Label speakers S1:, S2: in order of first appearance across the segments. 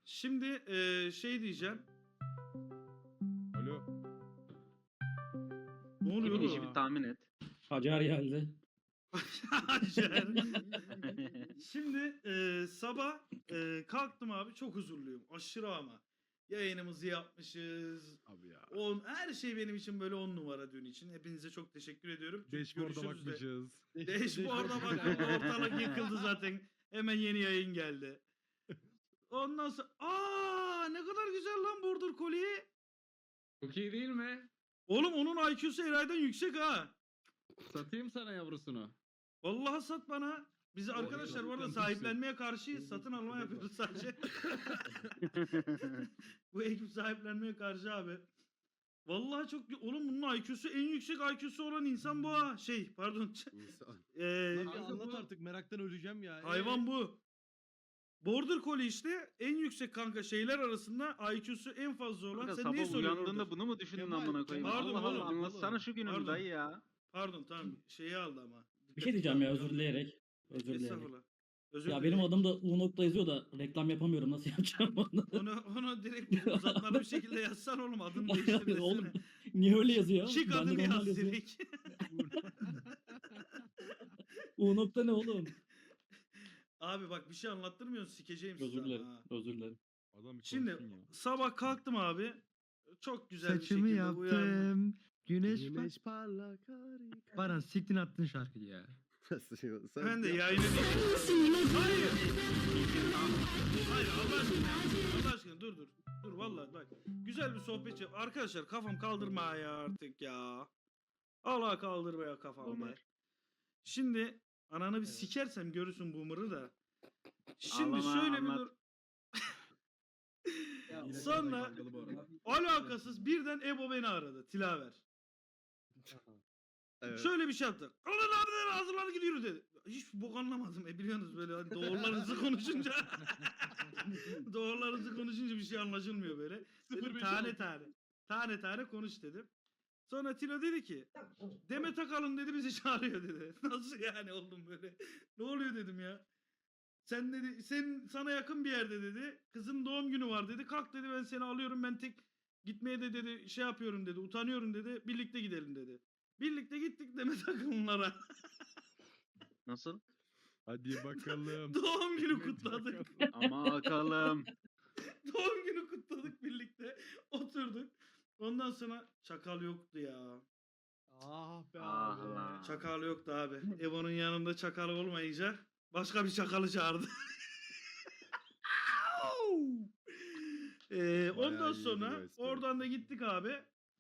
S1: Şimdi şey diyeceğim.
S2: Alo.
S1: Ne oluyor
S3: Kimin işi
S1: oğlum?
S3: bir tahmin et.
S4: Hacer geldi.
S1: Hacer. Şimdi sabah kalktım abi, çok huzurluyum. Aşırı ama. Yayınımızı yapmışız.
S2: Abi ya.
S1: Her şey benim için böyle 10 numara dün için. Hepinize çok teşekkür ediyorum.
S2: Dashboard'a
S1: Görüşürüz de.
S2: bakmışız.
S1: Dashboard'a bakın, ortalık yıkıldı zaten. Hemen yeni yayın geldi. Ondan sonra ne kadar güzel lan Border Collie.
S5: Çok iyi değil mi?
S1: Oğlum onun IQ'su Eray'dan yüksek ha.
S5: Satayım sana yavrusunu.
S1: Vallahi sat bana. Biz arkadaşlar bu arada
S2: gerçekten
S1: sahiplenmeye karşıyız. Satın alma yapıyoruz sadece. Bu ekip sahiplenmeye karşı abi. Vallahi çok oğlum bunun IQ'su en yüksek IQ'su olan insan bu ha. Pardon.
S6: Lan bir
S5: Kanka
S6: anlat
S5: bu-
S6: artık, meraktan öleceğim ya.
S1: Hayvan bu. Border Collie işte en yüksek kanka şeyler arasında IQ'su en fazla olan.
S3: Kanka
S1: Sen neyi
S3: sabah
S1: soruyorsun
S3: uyandığında
S1: orada?
S3: bunu mu düşündün
S6: Kemal,
S3: amına koyayım?
S1: pardon
S3: Allah
S1: oğlum,
S3: Allah anlatsana şu gününü
S1: pardon.
S3: dayı ya.
S1: Pardon tamam şeyi aldı ama.
S4: Bir şey diyeceğim ya, özür dileyerek. Özür dileyerek.
S1: Estağfurullah. Özür
S4: Ya
S1: dilerim.
S4: benim adım da U nokta yazıyor da reklam yapamıyorum, nasıl yapacağım onu?
S1: Onu direkt uzatmalı bir şekilde yazsan oğlum, adını değiştir
S4: Oğlum,
S1: desene.
S4: Niye öyle yazıyor?
S1: Şık
S4: Bende
S1: adını
S4: normal
S1: yaz
S4: yazıyor.
S1: direkt.
S4: U nokta ne oğlum?
S1: Abi bak bir şey anlattırmıyorsun, sikeceğim sizi
S4: Özür
S1: ama
S4: dilerim.
S1: ha.
S4: Özür dilerim.
S2: Adam bir
S1: Şimdi
S2: konuşsun ya.
S1: sabah kalktım abi. Çok güzel bir
S6: Saçımı
S1: şekilde uyandım.
S6: yaptım. Güneş,
S7: Güneş
S6: parlak harika. Baran siktin attın şarkıyı ya.
S1: Ben de yayını Hayır. Hayır Allah aşkına. Allah aşkına dur. Dur vallahi bak. Güzel bir sohbet yap. Arkadaşlar kafam kaldırma ya artık ya. Allah kaldırma ya kafamı.
S3: Boomer.
S1: Şimdi ananı bir sikersem görürsün boomer'ı da. Şimdi
S3: Ağlama,
S1: şöyle bir
S3: anlat.
S1: dur. Sonra alakasız birden Ebo beni aradı. Tilaver. Şöyle bir şey yaptı. Alın abi dedi, hazırlan gidiyoruz dedi. Hiç bok anlamadım. Biliyorsunuz böyle hani doğrularınızı konuşunca. Doğrularınızı konuşunca bir şey anlaşılmıyor böyle. Dedim, tane tane konuş dedim. Sonra Tilo dedi ki Demet Akalın dedi bizi çağırıyor dedi. Nasıl yani oğlum böyle? Ne oluyor dedim ya. Sen dedi sana yakın bir yerde dedi. Kızın doğum günü var dedi. Kalk dedi, ben seni alıyorum, ben tek gitmeye de dedi şey yapıyorum dedi. Utanıyorum dedi. Birlikte gidelim dedi. Birlikte gittik Demet Akalınlara.
S3: Nasıl?
S2: Hadi bakalım.
S1: Doğum günü kutladık.
S3: Ama bakalım.
S1: Doğum günü kutladık birlikte. Oturduk. Ondan sonra çakal yoktu ya.
S6: Ah be
S3: Ah
S6: abi.
S3: lan.
S1: Çakal yoktu abi. Evo'nun yanında çakal olmayınca başka bir çakalı çağırdı. Ondan
S7: iyiydi
S1: sonra
S7: bu espri.
S1: oradan da gittik abi.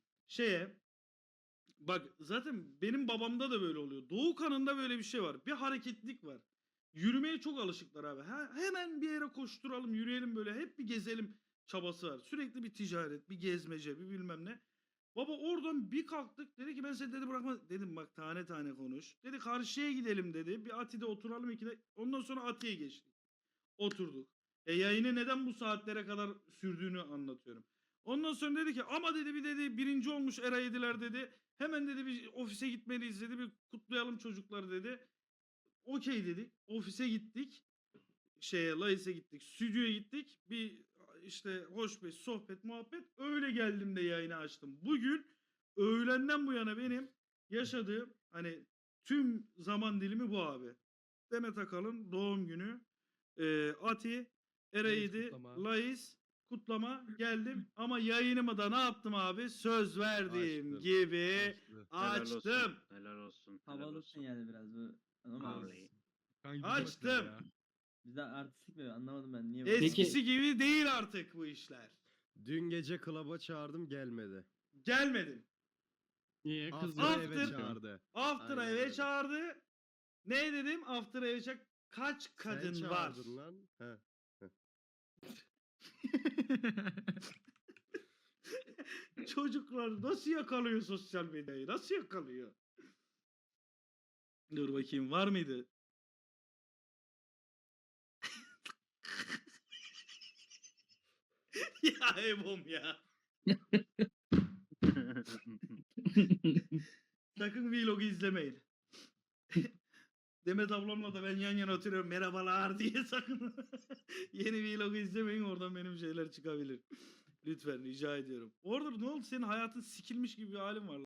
S1: Bak zaten benim babamda da böyle oluyor. Doğu kanında böyle bir şey var. Bir hareketlilik var. Yürümeye çok alışıklar abi. Hemen bir yere koşturalım, yürüyelim böyle. Hep bir gezelim çabası var. Sürekli bir ticaret, bir gezmece, bir bilmem ne. Baba oradan bir kalktık. Dedi ki ben seni dedi bırakma. Dedim bak tane tane konuş. Dedi karşıya gidelim dedi. Bir Ati'de oturalım ikide. Ondan sonra Ati'ye geçtik. Oturduk. Yayını neden bu saatlere kadar sürdüğünü anlatıyorum. Ondan sonra dedi ki ama dedi bir dedi birinci olmuş Era 7'ler dedi. Hemen dedi bir ofise gitmeliyiz dedi. Bir kutlayalım çocukları dedi. Okey dedik. Ofise gittik. Lais'e gittik. Stüdyoya gittik. Bir işte hoş bir sohbet muhabbet. Öyle geldim de yayını açtım. Bugün öğlenden bu yana benim yaşadığım hani tüm zaman dilimi bu abi. Demet Akalın doğum günü. Ati, Era
S6: Lais
S1: 7,
S6: kutlama.
S1: Lais kutlama geldim. Ama yayınımı da ne yaptım abi? Söz verdiğim
S7: Açtın.
S1: gibi
S3: Helal olsun.
S1: açtım.
S3: Helal olsun. Helal
S8: Havalısın
S3: olsun.
S8: yani biraz bu. Ama
S3: Vallahi.
S2: Kanka bir
S1: Açtım.
S2: bak ya.
S8: bizde artistik mi? Anlamadım ben niye böyle.
S1: Eskisi gibi değil artık bu işler.
S7: Dün gece klaba çağırdım gelmedi.
S1: Gelmedin.
S5: Niye
S7: After eve
S1: After.
S7: çağırdı.
S1: After'a
S7: Aynen
S1: eve
S7: öyle.
S1: çağırdı. Ne dedim? After'a eve kaç kadın
S7: Sen
S1: var?
S7: çağırdın lan. He.
S1: Çocuklar nasıl yakalıyor sosyal medyayı? Nasıl yakalıyor? Dur bakayım var mıydı? Ya Ebom ya. Sakın vlogu izlemeyin. Demet ablamla da ben yan yana oturuyorum merhabalar diye sakın. Yeni vlogu izlemeyin oradan benim şeyler çıkabilir. Lütfen rica ediyorum. Orada ne oldu senin hayatın sikilmiş gibi bir halin var.